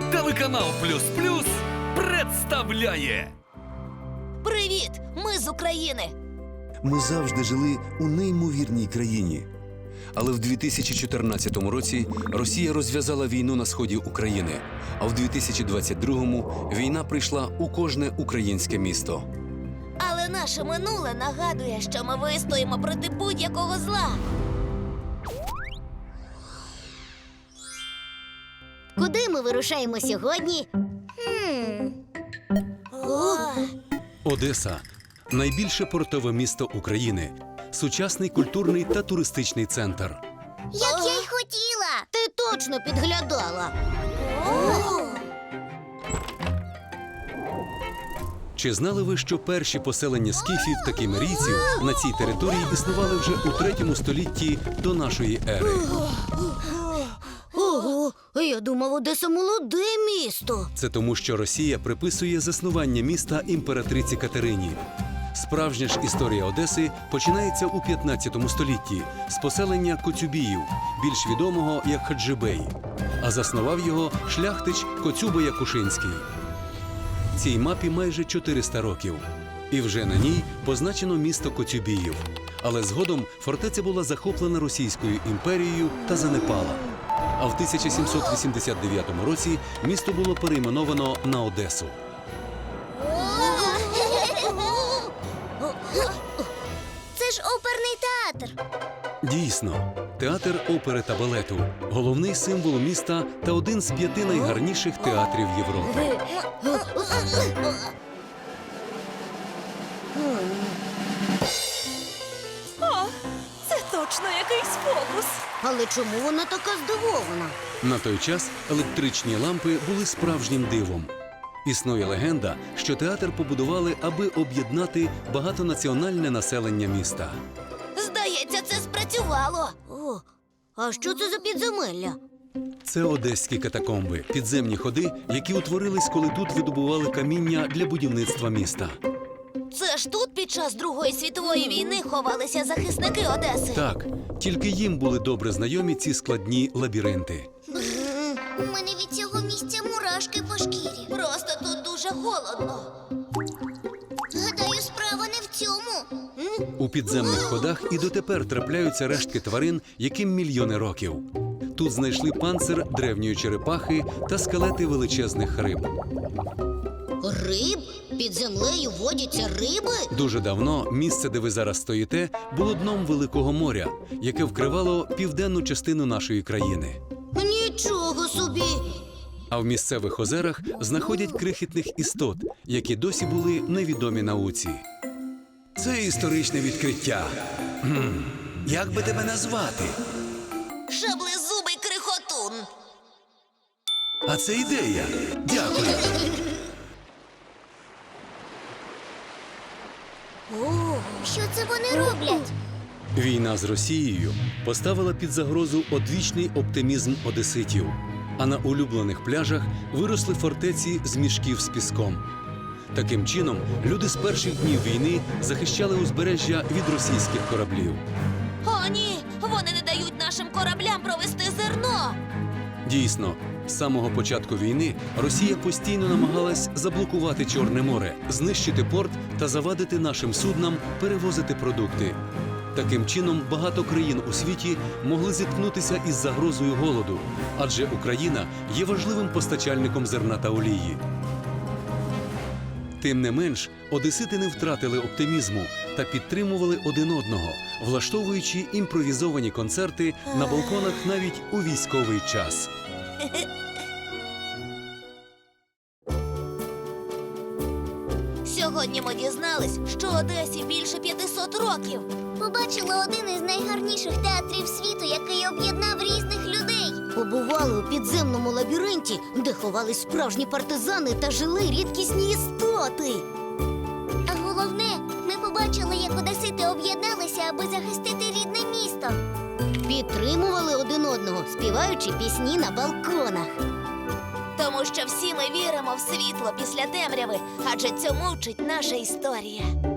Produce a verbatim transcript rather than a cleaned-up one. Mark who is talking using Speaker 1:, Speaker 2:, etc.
Speaker 1: Телеканал Плюс Плюс представляє.
Speaker 2: Привіт! Ми з України!
Speaker 3: Ми завжди жили у неймовірній країні. Але в дві тисячі чотирнадцятому році Росія розв'язала війну на сході України, а в дві тисячі двадцять другому війна прийшла у кожне українське місто.
Speaker 2: Але наше минуле нагадує, що ми вистоїмо проти будь-якого зла.
Speaker 4: Куди ми вирушаємо сьогодні?
Speaker 2: Хм. О!
Speaker 3: Одеса – найбільше портове місто України, сучасний культурний та туристичний центр.
Speaker 4: Як я й хотіла! Ти точно підглядала.
Speaker 2: О!
Speaker 3: Чи знали ви, що перші поселення скіфів та кімерійців на цій території існували вже у третьому столітті до нашої ери?
Speaker 4: Ого, я думав, Одеса молоде місто.
Speaker 3: Це тому, що Росія приписує заснування міста імператриці Катерині. Справжня ж історія Одеси починається у п'ятнадцятому столітті з поселення Коцюбіїв, більш відомого як Хаджибей, а заснував його шляхтич Коцюба Якушинський. Цій мапі майже чотириста років. І вже на ній позначено місто Коцюбіїв. Але згодом фортеця була захоплена Російською імперією та занепала. А в тисяча сімсот вісімдесят дев'ятому році місто було перейменовано на Одесу.
Speaker 4: Це ж оперний театр.
Speaker 3: Дійсно, театр опери та балету – головний символ міста та один з п'яти найгарніших театрів Європи.
Speaker 2: О, це точно якийсь фокус.
Speaker 4: Але чому вона така здивована?
Speaker 3: На той час електричні лампи були справжнім дивом. Існує легенда, що театр побудували, аби об'єднати багатонаціональне населення міста.
Speaker 2: Здається, це спрацювало.
Speaker 4: О, а що це за підземелля?
Speaker 3: Це одеські катакомби – підземні ходи, які утворились, коли тут видобували каміння для будівництва міста.
Speaker 2: Це ж тут під час Другої світової війни ховалися захисники Одеси.
Speaker 3: Так, тільки їм були добре знайомі ці складні лабіринти.
Speaker 4: У мене від цього місця мурашки по шкірі.
Speaker 2: Просто тут дуже холодно.
Speaker 4: Гадаю, справа не в цьому.
Speaker 3: У підземних ходах і дотепер трапляються рештки тварин, яким мільйони років. Тут знайшли панцир древньої черепахи та скелети величезних риб.
Speaker 4: Риб? Під землею водяться риби?
Speaker 3: Дуже давно місце, де ви зараз стоїте, було дном Великого моря, яке вкривало південну частину нашої країни.
Speaker 4: Нічого собі!
Speaker 3: А в місцевих озерах знаходять крихітних істот, які досі були невідомі науці. Це історичне відкриття. Хм. Як би тебе назвати?
Speaker 2: Шаблезубий крихотун.
Speaker 3: А це ідея. Дякую.
Speaker 4: О, що це вони роблять?
Speaker 3: Війна з Росією поставила під загрозу одвічний оптимізм одеситів. А на улюблених пляжах виросли фортеці з мішків з піском. Таким чином, люди з перших днів війни захищали узбережжя від російських кораблів.
Speaker 2: О, ні! Вони не дають нашим кораблям провести зерно!
Speaker 3: Дійсно, з самого початку війни Росія постійно намагалась заблокувати Чорне море, знищити порт та завадити нашим суднам перевозити продукти. Таким чином, багато країн у світі могли зіткнутися із загрозою голоду, адже Україна є важливим постачальником зерна та олії. Тим не менш, одесити не втратили оптимізму та підтримували один одного, влаштовуючи імпровізовані концерти на балконах навіть у військовий час.
Speaker 2: Сьогодні ми дізнались, що Одесі більше п'ятисот років.
Speaker 4: Побачила один із найгарніших театрів світу, який об'єднав різних людей. Побували у підземному лабіринті, де ховались справжні партизани та жили рідкісні істоти. А головне, ми побачили, як одесити об'єдналися, аби захистити рідне місто. Підтримували один одного, співаючи пісні на балконах.
Speaker 2: Тому що всі ми віримо в світло після темряви, адже цьому вчить наша історія.